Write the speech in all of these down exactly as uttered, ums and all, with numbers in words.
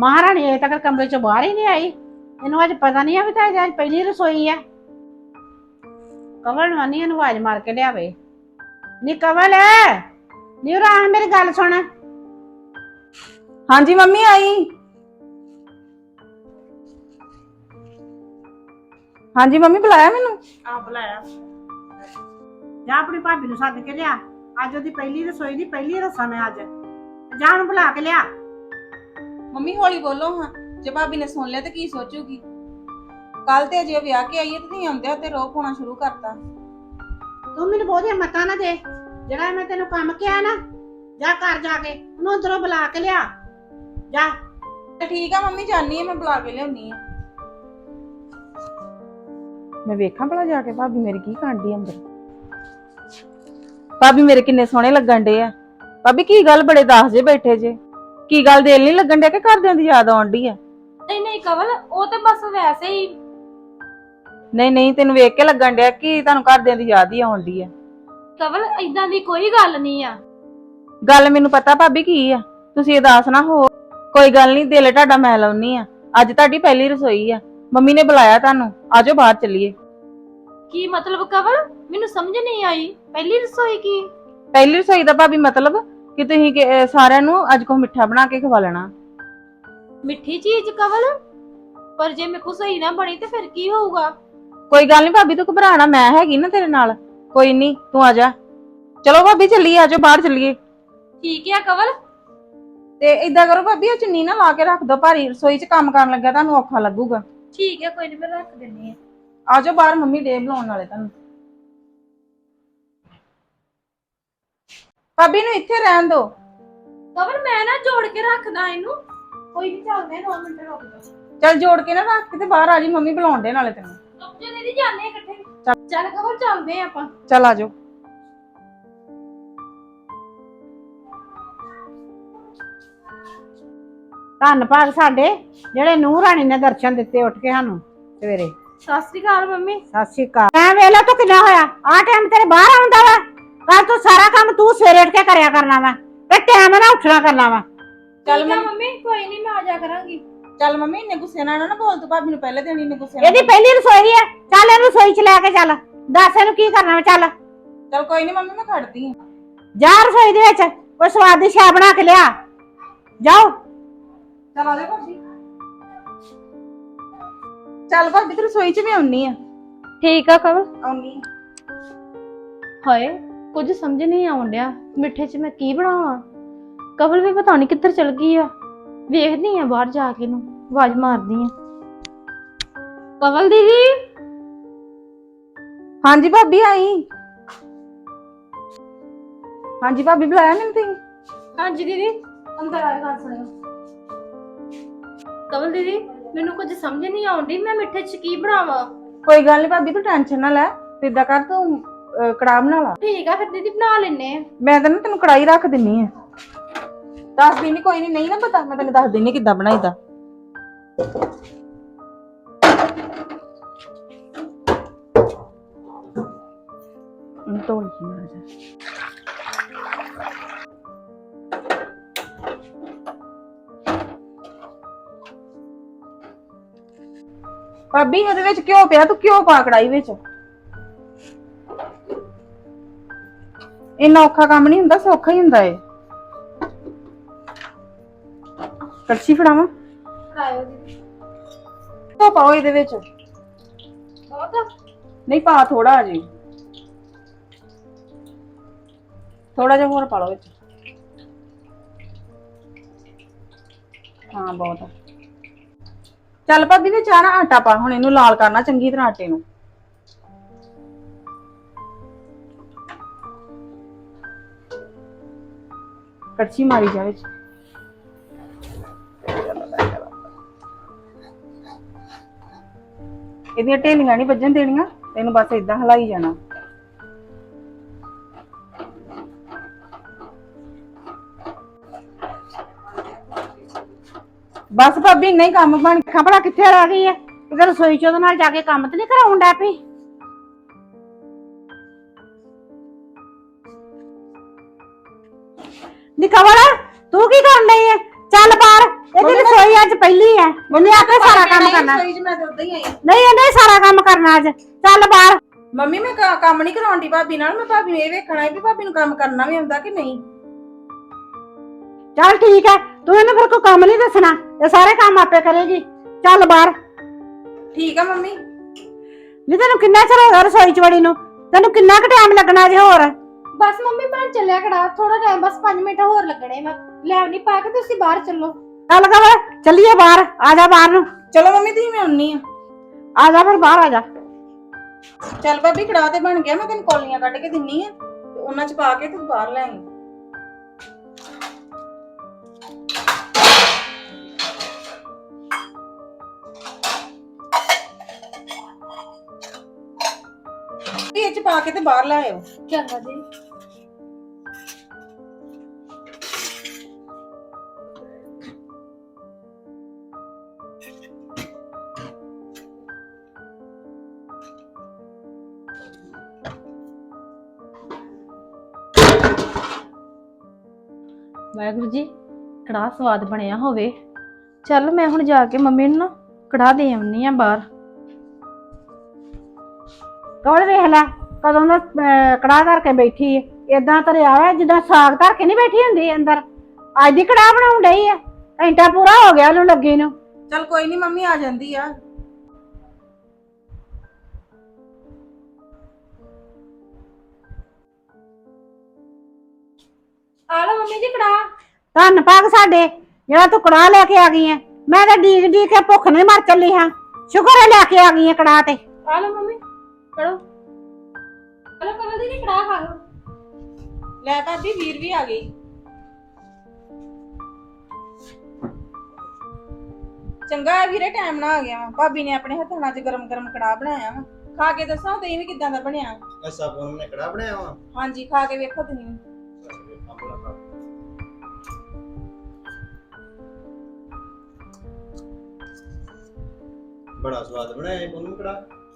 महारानी अजे तक कमरे चो बाहर ही नहीं आई। इनू अज पता नहीं है भी तां अज पहली रसोई है। कवल मानी इनू आवाज मार के लियावे। नी कवल नी उरा आ मेरी गल सुन। हाँ जी मम्मी आई। हाँ जी मम्मी बुलाया मैनू। आ बुलाया जा अपनी भाभी नू सद के लिया। अज ओदी पहली रसोई दी पहली रसम है। अज जा ओनू बुला के लिया। मम्मी हौली बोलो हाँ, जे भाभी ने सुन लिया तो की सोचूगी। कल ते अजे विआह के आई है ते आउंदे ते रोह पाउणा शुरू करता। तू मैनू बहुतियां मतां ना दे। जेड़ा मैं तेनू काम किया ना जा घर जाके ओनू अंदरों बुला के लिया जा। ठीक है मम्मी जानी है, मैं बुला के लियाउनी है। मैं वेखां भला जाके भाभी मेरी की कांडी अंदर। भाभी मेरे किन्ने सोहणे लगन डे आ। भाभी की गल बड़े दास जे बैठे जे, की गल दिल नहीं लगन डे कि घरदियां दी याद आउण डी आ? नहीं नहीं कवल वो तो बस वैसे ही। नहीं नहीं तेन वेख के लगन डिया कि तुहानू घरदियां दी याद ही आउण डी आ। कवल इदां दी कोई गल नहीं आ। गल मैनू पता भाभी की आ, तुसीं उदास ना हो। कोई गल नहीं, दिल तुहाडा मैं लाउनी आ। अज तुहाडी पहली रसोई आ, मम्मी ने बुलाया तुहानू, आजो बाहर चलीए। की मतलब कवल मैनू समझ नहीं आई। पहली रसोई की पहली रसोई दा भाभी मतलब कि तुसीं सारिਆਂ ਨੂੰ अज को मिठा बना के खवा लेना। मिठी चीज कवल, पर जे मेरे को सही ना बनी तो फिर की होगा? कोई गल नहीं भाभी, तू घबराना, मैं हैगी ना तेरे नाल। कोई नहीं तू आ जा। चलो भाभी चलिए, आजो बाहर चलिए। ठीक है कवल। ते इदां करो भाभी, ओ चुन्नी ना ला के रख दो, भारी रसोई च काम करन लग्या तुहानू औखा लगूगा। ठीक है कोई नहीं, मैं रख देनी है। आजो बाहर, मम्मी डे बुलाउण वाले तुहानू। भाभी नू इत्थे रहन दो। कवल मैं ना जोड़ के रखदा इनू। कोई नहीं, चलदे दो मिनट रुक जाओ। चल जोड़ के ना रख के ते बाहर आ जी, मम्मी बुलाउण दे नाले तैनू। रुक जा दीदी, जाने इकट्ठे। चल कवल चलदे आपां। चल आजो। धन भाग साडे जेड़े नूह राणी ने दर्शन दिते उठ के सानू सवेरे। सत श्री अकाल मम्मी। सत श्री अकाल। मैं वेला तू किन्ना होया आ टाइम तेरे बाहर आउंदा वा। कल तू सारा काम तू सवेरे उठ के करया करना वा ते टाइम ना उठना करना वा। चल मम्मी कोई नहीं, मैं आ जा करांगी। चल मम्मी इन्ने गुस्से नाल ना बोल, तू भाभी नू पहले देनी इन्ने गुस्से नाल। एदी पहली रसोई है, चल एनू रसोई च लेके चल। दस एनू की करना वा। चल चल कोई नहीं मम्मी, मैं खड़दी हां। जा रसोई दे विच कोई स्वादी शै बना के लिया। जाओ चल आ जा भाभी। चल भाभी तू रसोई च भी आउनी आ। ठीक है कवल। आउनी हाय कुछ समझ नहीं आउण डिया, मिठे च मैं की बनावां। कवल भी पता नहीं किधर चल गई आ। वेखदी आ बाहर जाके नू आवाज मारदी आ। कवल दीदी। हाँ जी भाभी आई। हाँ जी भाभी बुलाया मैंने तुसीं? हाँ जी दीदी अंदर आए, गल सुनियो। कवल दीदी मैनू कुछ समझ नहीं आउंदी, मैं मिठे च की बनावां। कोई गल नहीं भाभी, तू टेंशन ना ले। तू इदां कर, तू कड़ाह बना ला। ठीक है फिर दीदी बना लेने आ। मैं तेन तेन कड़ाही रख दिन्नी है। दस दिन कोई नहीं नहीं ना पता, मैं तेन दस दिन्नी किद्दां बनाईदा। ढोल की मार जा। भाभी ਉਹਦੇ ਵਿੱਚ ਘਿਓ ਪਿਆ, ਤੂੰ ਘਿਓ ਪਾ ਕੜਾਈ ਵਿੱਚ। ਇੰਨਾ ਔਖਾ ਕੰਮ ਨਹੀਂ ਹੁੰਦਾ, ਸੌਖਾ ਹੀ ਹੁੰਦਾ ਏ। ਕੜਛੀ ਫੜਾਵਾਂ? ਫੜਾਇਓ ਦੀਦੀ। ਘਿਓ ਪਾਓ ਇਹਦੇ ਵਿੱਚ। ਬਹੁਤ ਨਹੀਂ ਪਾ ਥੋੜਾ ਆ ਜੀ, ਥੋੜਾ ਜਿਹਾ ਹੋਰ ਪਾ ਲਓ ਵਿੱਚ। ਹਾਂ ਬਹੁਤ ਆ। ਚੱਲ ਭਾਬੀ ਵਿੱਚ ਆ ਨਾ ਆਟਾ ਪਾ, ਹੁਣ ਇਹਨੂੰ ਲਾਲ ਕਰਨਾ ਚੰਗੀ ਤਰ੍ਹਾਂ ਆਟੇ ਨੂੰ। ਕੜਛੀ ਮਾਰੀ ਜਾ ਵਿੱਚ। ਇਹਦੀਆਂ ਢੇਲੀਆਂ ਨਹੀਂ ਵੱਜਣ ਦੇਣੀਆਂ, ਇਹਨੂੰ ਬਸ ਏਦਾਂ ਹਿਲਾਈ ਜਾਣਾ। बस भाभी इन्ना ही काम बन खा भला कित्थे रह गई है? इधर रसोई च ओहदे नाल जाके काम ते नहीं कराउण डै पई? नी कवल तू की करन लई है? चल बाहर ਇਹਦੀ ਰਸੋਈ ਅੱਜ ਪਹਿਲੀ ਹੈ, ਉਹਨੇ ਆਪੇ ਸਾਰਾ ਕੰਮ ਕਰਨਾ। ਰਸੋਈ 'ਚ ਮੈਂ ਤਾਂ ਉਦਾਂ ਹੀ ਆਈ। ਨਹੀਂ ਇਹਨੇ ਹੀ ਸਾਰਾ ਕੰਮ ਕਰਨਾ ਅੱਜ। ਚੱਲ ਬਾਹਰ। ਮੰਮੀ ਮੈਂ ਕ- ਕੰਮ ਨਹੀਂ ਕਰਾਉਂਦੀ ਭਾਬੀ ਨਾਲ, ਮੈਂ ਭਾਬੀ ਨੂੰ ਇਹ ਵੇਖਣਾ ਹੈ ਵੀ ਭਾਬੀ ਨੂੰ ਕੰਮ ਕਰਨਾ ਵੀ ਆਉਂਦਾ ਕਿ ਨਹੀਂ। ਚੱਲ ਠੀਕ ਹੈ, ਤੂੰ ਇਹਨੂੰ ਫਿਰ ਕੋਈ ਕੰਮ ਨਹੀਂ ਦੱਸਣਾ, ਇਹ ਸਾਰੇ ਕੰਮ ਆਪੇ ਕਰੇਗੀ। ਚੱਲ ਬਾਹਰ। ਠੀਕ ਆ ਮੰਮੀ। ਨਹੀਂ ਤੈਨੂੰ ਕਿੰਨਾ ਚਿਰ ਹੋ ਗਿਆ ਰਸੋਈ ਚ ਵੜੀ ਨੂੰ? ਤੈਨੂੰ ਕਿੰਨਾ ਕੁ ਟਾਈਮ ਲੱਗਣਾ ਜੇ ਹੋਰ? ਬਸ ਮੰਮੀ ਬਣ ਚੱਲਿਆ ਕੜਾ, ਥੋੜਾ ਟਾਈਮ ਬਸ ਪੰਜ ਮਿੰਟ ਹੋਰ ਲੱਗਣੇ। ਮੈਂ ਲੈਵ ਨਹੀਂ ਪਾ ਕੇ ਤੁਸੀਂ ਬਾਹਰ ਚੱਲੋ। ਚੱਲ ਕਵਰ ਚੱਲੀਏ ਬਾਹਰ। ਆ ਜਾ ਬਾਹਰ ਨੂੰ। ਚਲੋ ਮੰਮੀ ਤੁਸੀਂ, ਮੈਂ ਆਉਣੀ ਆ। ਆ ਜਾ ਫਿਰ ਬਾਹਰ ਆ ਜਾ। ਚੱਲ ਭਾਬੀ ਕੜਾਹ ਤੇ ਬਣ ਗਿਆ, ਮੈਂ ਤੈਨੂੰ ਕੌਲੀਆਂ ਕੱਢ ਕੇ ਦਿੰਨੀ ਆ ਤੇ ਉਹਨਾਂ 'ਚ ਪਾ ਕੇ ਤੂੰ ਬਾਹਰ ਲੈ ਆਈ। ਇਹ 'ਚ ਪਾ ਕੇ ਤੇ ਬਾਹਰ ਲੈ ਆਇਓ। ਚੰਗਾ ਜੀ। ਵਾਹਿਗੁਰੂ ਜੀ, ਕੜਾਹ ਸਵਾਦ ਬਣਿਆ ਹੋਵੇ। ਚੱਲ ਮੈਂ ਹੁਣ ਜਾ ਕੇ ਮੰਮੀ ਨੂੰ ਨਾ ਕੜਾਹ ਦੇ ਆਉਣੀ ਆ ਬਾਹਰ। ਕਵਰ ਵੇਖ ਲੈ ਕਦੋਂ ਦਾ ਅਹ, ਕੜਾਹ ਧਰ ਕੇ ਬੈਠੀ ਏ। ਏਦਾਂ ਧਰਿਆ ਵਾ ਜਿੱਦਾਂ ਸਾਗ ਧਰ ਕੇ ਨਹੀਂ ਬੈਠੀ ਹੁੰਦੀ ਅੰਦਰ। ਅੱਜ ਦੀ ਕੜਾਹ ਬਣਾਉਣ ਡਈ ਆ। ਘੰਟਾ ਪੂਰਾ ਹੋ ਗਿਆ ਉਹਨੂੰ ਲੱਗੀ ਨੂੰ। ਚੱਲ ਕੋਈ ਨਹੀਂ ਮੰਮੀ, ਆ ਜਾਂਦੀ ਆ। ਆ ਲਓ ਮੰਮੀ ਜੀ ਕੜਾਹ। ਧੰਨ ਭਾਗ ਸਾਡੇ ਜਿਹੜਾ ਤੂੰ ਕੜਾਹ ਲੈ ਕੇ ਆ ਗਈ ਐ। ਮੈਂ ਤਾਂ ਡੀਕ ਡੀਕ ਕੇ ਭੁੱਖ ਨਹੀਂ ਮਰ ਚੱਲੀ ਹਾਂ। ਸ਼ੁਕਰ ਹੈ ਲੈ ਕੇ ਆ ਗਈ ਐ ਕੜਾਹ ਤੇ। ਆ ਲਓ ਮੰਮੀ ਪੜੋ। ਚਲੋ ਕਵਲ ਦੀ ਕੜਾਹ ਖਾ ਲਓ। ਲੈ ਭਾਬੀ, ਵੀਰ ਵੀ ਆ ਗਈ। ਚੰਗਾ ਹੈ ਵੀਰੇ, ਟਾਈਮ ਨਾਲ ਆ ਗਿਆ ਵਾ। ਭਾਬੀ ਨੇ ਆਪਣੇ ਹੱਥਾਂ ਨਾਲ ਗਰਮ ਗਰਮ ਕੜਾਹ ਬਣਾਇਆ ਵਾ। ਖਾ ਕੇ ਦੱਸਾਂ ਤੇ ਵੀ ਕਿਦਾਂ ਦਾ ਬਣਿਆ। ਐਸਾ ਕੋਨ ਨੇ ਕੜਾ ਬਣਾਇਆ ਵਾ। ਹਾਂਜੀ, ਖਾ ਕੇ ਵੇਖੋ ਤੁਸੀਂ। ਬੜਾ ਸਵਾਦ ਬਣਾਇਆ ਇਹ ਕੋਨ ਕੜਾ।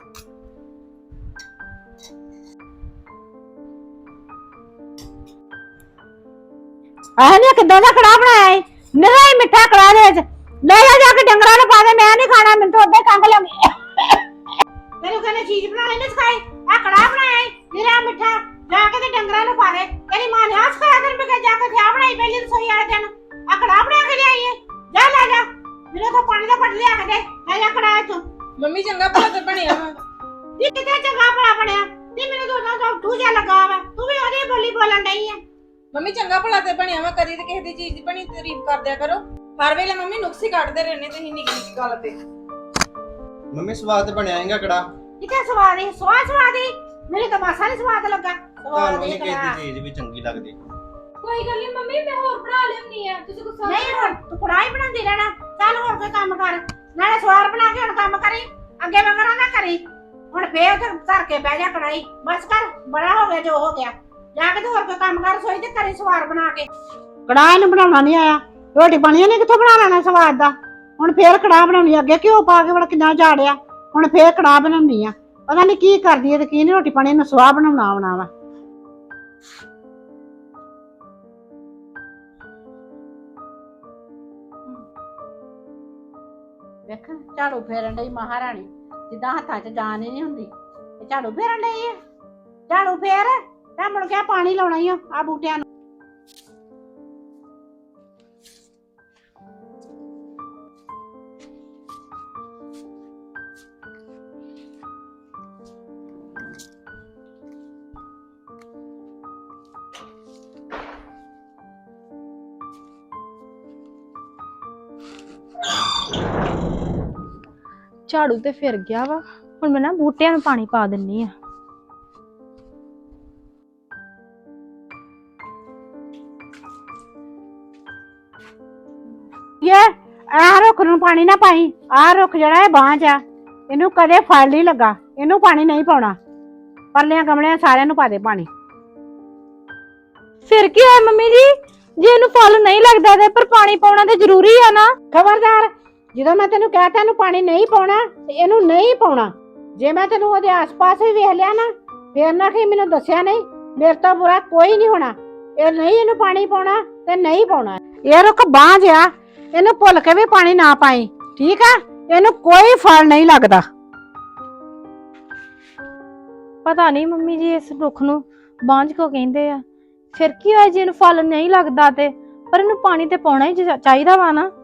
ਆਹ ਨੇ ਕਿੱਦਾਂ ਦਾ ਕੜਾਹ ਬਣਾਇਆ ਏ? ਨਿਰਾ ਹੀ ਮਿੱਠਾ ਕੜਾਹ ਦੇ ਵਿੱਚ। ਲੈ ਜਾ ਜਾ ਕੇ ਡੰਗਰਾਂ ਨੂੰ ਪਾ ਦੇ, ਮੈਂ ਨਹੀਂ ਖਾਣਾ, ਮੈਨੂੰ ਤਾਂ ਉੱਧੇ ਕੰਗ ਲੱਗੀ। ਤੈਨੂੰ ਕਹਿੰਦੇ ਚੀਜ਼ ਬਣਾਉਣੀ ਨਹੀਂ ਸਿਖਾਈ? ਆ ਕੜਾਹ ਬਣਾਇਆ ਏ ਨਿਰਾ ਮਿੱਠਾ, ਜਾ ਕੇ ਤੇ ਡੰਗਰਾਂ ਨੂੰ ਪਾ ਦੇ। ਤੇਰੀ ਮਾਂ ਨੇ ਆ ਸਿਖਾਇਆ ਤੈਨੂੰ ਕਿ ਜਾ ਕੇ ਚਾਹ ਬਣਾਈ ਪਹਿਲੀ ਰਸੋਈ ਵਾਲੇ ਦਿਨ? ਆ ਕੜਾਹ ਬਣਾ ਕੇ ਲਿਆਈ ਏ। ਜਾ ਲੈ ਜਾ, ਮੇਰੇ ਕੋਲ ਪਾਣੀ ਦਾ ਪੱਟ ਲਿਆ ਕੇ ਦੇ। ਲੈ ਜਾ ਕੜਾਹ ਚੋਂ। ਮੰਮੀ ਚੰਗਾ ਭਲਾ ਤੇ ਬਣਿਆ ਵਾ। ਇਹ ਕਿਤੇ ਚੰਗਾ ਭਲਾ ਬਣਿਆ ਤੇ ਮੈਨੂੰ ਤਾਂ ਉਹਦਾ ਤੂੰ ਜਾ ਲੱਗਾ ਵਾ। ਤੂੰ ਵੀ ਉਹਦੀ ਬੋਲੀ ਬੋਲਣ ਡਈ ਆ। ਮੰਮੀ ਚੰਗਾ ਭਲਾ ਤੇ ਬਣਿਆ ਵਾ, ਕਦੀ ਤੇ ਕਿਸੇ ਦੀ ਚੀਜ਼ ਦੀ ਬਣੀ ਤਾਰੀਫ ਕਰਦਿਆ ਕਰੋ। ਹਰ ਵੇਲੇ ਮੰਮੀ ਨੁਕਸ ਹੀ ਕੱਢਦੇ ਰਹਿੰਦੇ ਤੁਸੀਂ ਨਿੱਕੀ ਨਿੱਕੀ ਗੱਲ ਤੇ। ਮੰਮੀ ਸਵਾਦ ਬਣਾਇਆ ਹੈਗਾ ਕੜਾ। ਕਿਤੇ ਸਵਾਦ ਹੀ ਸਵਾਦ ਸਵਾਦ ਹੀ ਮੇਰੇ ਤਾਂ ਮਾਸਾ ਨਹੀਂ ਸਵਾਦ ਲੱਗਾ। ਤੁਹਾਨੂੰ ਨਹੀਂ ਕਿਸੇ ਦੀ ਚੀਜ਼ ਵੀ ਚੰਗੀ ਲੱਗਦੀ। ਕੋਈ ਗੱਲ ਨਹੀਂ ਮੰਮੀ, ਮੈਂ ਹੋਰ ਬਣਾ ਲਿਆਉਣੀ ਆ, ਤੁਸੀਂ ਗੁੱਸਾ ਨਹੀਂ ਹੁਣ ਤੂੰ ਕੜਾਈ ਬਣਾਉਂਦੀ ਰਹਿਣਾ। ਚੱਲ ਹੋਰ ਕੋਈ ਕੰਮ ਕਰ, ਨਾਲੇ ਸਵਾਰ ਬਣਾ ਕੇ ਹੁਣ ਕੰਮ ਕਰੀ। ਅੱਗੇ ਵਗਰਾ ਨਾ ਕਰੀ। ਹੁਣ ਫੇਰ ਤੇ ਧਰ ਕੇ ਬਹਿ ਜਾ ਕੜਾਈ। ਬਸ ਕਰ, ਬੜਾ ਹੋ ਗਿਆ ਜੋ ਹੋ ਗਿਆ। ਜਾ ਕੇ ਤੇ ਹੋਰ ਕੋਈ ਕੰਮ ਕਰ ਸੋਈ ਤੇ ਕਰੀ ਸਵਾਰ ਬਣਾ ਕੇ। ਕੜਾਹ ਨੂੰ ਬਣਾਉਣਾ ਨਹੀਂ ਆਇਆ, ਰੋਟੀ ਪਾਣੀ ਨੇ ਕਿੱਥੋਂ ਬਣਾ ਲੈਣਾ ਸਵਾਦ ਦਾ। ਹੁਣ ਫੇਰ ਕੜਾਹ ਬਣਾਉਣੀ, ਅੱਗੇ ਘਿਓ ਪਾ ਕੇ ਬੜਾ ਕਿੰਨਾ ਝਾੜਿਆ, ਹੁਣ ਫੇਰ ਕੜਾਹ ਬਣਾਉਣੀ ਆ। ਪਤਾ ਨਹੀਂ ਕੀ ਕਰਦੀ ਹੈ ਤੇ ਕੀ ਨਹੀਂ। ਰੋਟੀ ਪਾਣੀ ਨੂੰ ਸਵਾਹ ਬਣਾਉਣਾ ਆਉਣਾ ਵਾ। ਵੇਖ ਝਾੜੂ ਫੇਰਨ ਡਈ ਮਹਾਰਾਣੀ, ਜਿੱਦਾਂ ਹੱਥਾਂ 'ਚ ਜਾਨ ਹੀ ਨਹੀਂ ਹੁੰਦੀ। ਇਹ ਝਾੜੂ ਫੇਰਨ ਡਈ ਆ। ਝਾੜੂ ਫੇਰ ਤਾਂ ਮੁੜ ਕੇ ਪਾਣੀ ਲਾਉਣਾ ਹੀ ਆ ਆ ਬੂਟਿਆਂ ਨੂੰ। ਝਾੜੂ ਤੇ ਫਿਰ ਗਿਆ ਵਾ। ਹੁਣ ਮੈਂ ਨਾ ਬੂਟਿਆਂ ਨੂੰ ਪਾਣੀ ਪਾ ਦਿੰਨੀ ਆ। ਇਹ ਆਹ ਰੁੱਖ ਨੂੰ ਪਾਣੀ ਨਾ ਪਾਈ। ਆਹ ਰੁੱਖ ਜਿਹੜਾ ਇਹ ਬਾਂਝ ਆ, ਇਹਨੂੰ ਕਦੇ ਫਲ ਨਹੀਂ ਲੱਗਾ, ਇਹਨੂੰ ਪਾਣੀ ਨਹੀਂ ਪਾਉਣਾ। ਪਰਲਿਆਂ ਗਮਲਿਆਂ ਸਾਰਿਆਂ ਨੂੰ ਪਾ ਦੇ ਪਾਣੀ। ਫਿਰ ਕੀ ਹੋਇਆ ਮੰਮੀ ਜੀ, ਜੇ ਇਹਨੂੰ ਫਲ ਨਹੀਂ ਲੱਗਦਾ ਤੇ ਪਰ ਪਾਣੀ ਪਾਉਣਾ ਤੇ ਜ਼ਰੂਰੀ ਆ ਨਾ। ਖਬਰਦਾਰ, ਜਦੋਂ ਮੈਂ ਤੈਨੂੰ ਕਹਿ ਤਾ ਇਹਨੂੰ ਪਾਣੀ ਨਹੀਂ ਪਾਉਣਾ ਤੇ ਇਹਨੂੰ ਨਹੀਂ ਪਾਉਣਾ। ਜੇ ਮੈਂ ਤੈਨੂੰ ਉਹਦੇ ਆਸ-ਪਾਸ ਵੀ ਵੇਖ ਲਿਆ ਨਾ, ਫੇਰ ਨਾ ਕਿ ਮੈਨੂੰ ਦੱਸਿਆ ਨਹੀਂ। ਮੇਰੇ ਤੋਂ ਬੁਰਾ ਕੋਈ ਨਹੀਂ ਹੋਣਾ। ਇਹ ਨਹੀਂ ਇਹਨੂੰ ਪਾਣੀ ਪਾਉਣਾ ਤੇ ਨਹੀਂ ਪਾਉਣਾ। ਇਹ ਰੁੱਖ ਬਾਂਝ ਆ, ਇਹਨੂੰ ਭੁੱਲ ਕੇ ਵੀ ਪਾਣੀ ਨਾ ਪਾਈ, ਠੀਕ ਆ? ਇਹਨੂੰ ਕੋਈ ਫਲ ਨਹੀਂ ਲੱਗਦਾ। ਪਤਾ ਨਹੀਂ ਮੰਮੀ ਜੀ ਇਸ ਰੁੱਖ ਨੂੰ ਬਾਂਝ ਕੋ ਕਹਿੰਦੇ ਆ। ਫਿਰ ਕੀ ਹੋਇਆ ਜੇ ਇਹਨੂੰ ਫਲ ਨਹੀਂ ਲੱਗਦਾ ਤੇ, ਪਰ ਇਹਨੂੰ ਪਾਣੀ ਤੇ ਪਾਉਣਾ ਹੀ ਚਾ- ਚਾਹੀਦਾ ਵਾ ਨਾ।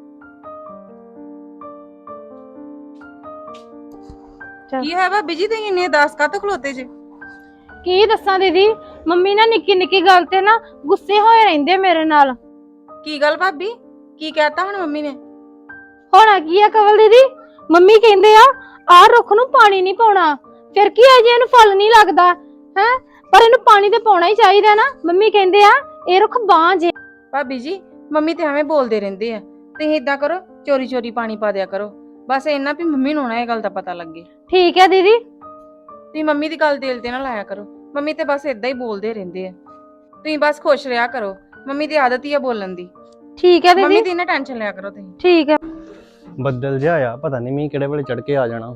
ਕੀ ਹੈ ਭਾਬੀ ਜੀ ਤੁਸੀਂ ਇੰਨੇ ਉਦਾਸ ਕਾਹਤੋਂ ਖਲੋਤੇ ਜੇ? ਕੀ ਦੱਸਾਂ ਦੀਦੀ, ਮੰਮੀ ਨਾ ਨਿੱਕੀ ਨਿੱਕੀ ਗੱਲ ਤੇ ਨਾ ਗੁੱਸੇ ਹੋਏ ਰਹਿੰਦੇ ਮੇਰੇ ਨਾਲ। ਕੀ ਗੱਲ ਭਾਬੀ, ਕੀ ਕਹਿਤਾ ਹੁਣ ਮੰਮੀ ਨੇ? ਹੋਣਾ ਕੀ ਆ ਕਵਲ ਦੀਦੀ, ਮੰਮੀ ਕਹਿੰਦੇ ਆ ਆਹ ਰੁੱਖ ਨੂੰ ਪਾਣੀ ਨਹੀਂ ਪਾਉਣਾ। ਫਿਰ ਕੀ ਹੈ ਜੇ ਇਹਨੂੰ ਫਲ ਨਹੀਂ ਲੱਗਦਾ ਹੈ, ਪਰ ਇਹਨੂੰ ਪਾਣੀ ਤੇ ਪਾਉਣਾ ਹੀ ਚਾਹੀਦਾ ਨਾ। ਮੰਮੀ ਕਹਿੰਦੇ ਆ ਇਹ ਰੁੱਖ ਬਾਂਝ ਏ। ਭਾਬੀ ਜੀ ਮੰਮੀ ਤੇ ਐਵੇਂ ਬੋਲਦੇ ਰਹਿੰਦੇ ਆ, ਤੁਸੀਂ ਇਦਾਂ ਕਰੋ ਚੋਰੀ ਚੋਰੀ ਪਾਣੀ ਪਾ ਦਿਆ ਕਰੋ, ਬਸ ਇੰਨਾ ਵੀ ਮੰਮੀ ਨੂੰ ਨਾ ਇਹ ਗੱਲ ਦਾ ਪਤਾ ਲੱਗੇ। ਠੀਕ ਹੈ ਦੀਦੀ। ਤੁਸੀਂ ਮੰਮੀ ਦੀ ਗੱਲ ਦਿਲ ਤੇ ਨਾ ਲਾਇਆ ਕਰੋ, ਮੰਮੀ ਤੇ ਬਸ ਇਦਾਂ ਹੀ ਬੋਲਦੇ ਰਹਿੰਦੇ ਆ। ਤੁਸੀਂ ਬਸ ਖੁਸ਼ ਰਿਹਾ ਕਰੋ, ਮੰਮੀ ਦੀ ਆਦਤ ਹੀ ਆ ਬੋਲਣ ਦੀ। ਠੀਕ ਹੈ ਮੰਮੀ ਦੀਦੀ। ਦੀ ਨਾ ਟੈਨਸ਼ਨ ਲਿਆ ਕਰੋ ਤੁਸੀਂ। ਠੀਕ ਹੈ। ਬੱਦਲ ਜਿਹਾ ਆ, ਪਤਾ ਨਹੀਂ ਮੀਂਹ ਕਿਹੜੇ ਵੇਲੇ ਚੜ ਕੇ ਆ ਜਾਣਾ।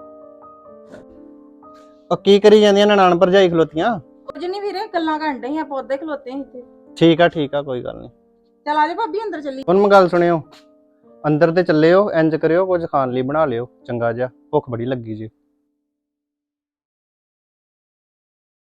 ਉਹ ਕੀ ਕਰੀ ਜਾਂਦੀਆਂ ਨਨਾਣ ਭਰਜਾਈ ਖਲੋਤੀਆਂ? ਕੁਝ ਨਹੀਂ ਵੀਰੇ, ਗੱਲਾਂ ਕਰਨ ਡਏ ਆਪਾਂ ਉੱਧੇ ਖਲੋਤੇ ਸੀ ਇੱਥੇ। ਠੀਕ ਆ ਠੀਕ ਆ, ਕੋਈ ਗੱਲ ਨਹੀਂ। ਚਲ ਆਜੋ ਭਾਬੀ ਅੰਦਰ ਚੱਲੀ। ਹੁਣ ਮੈਂ ਗੱਲ ਸੁਣਿਓ, ਅੰਦਰ ਤੇ ਚੱਲਿਓ, ਇੰਜ ਕਰਿਓ ਕੁਝ ਖਾਣ ਲਈ ਬਣਾ ਲਿਓ ਚੰਗਾ ਜਿਹਾ, ਭੁੱਖ ਬੜੀ ਲੱਗੀ ਜੀ।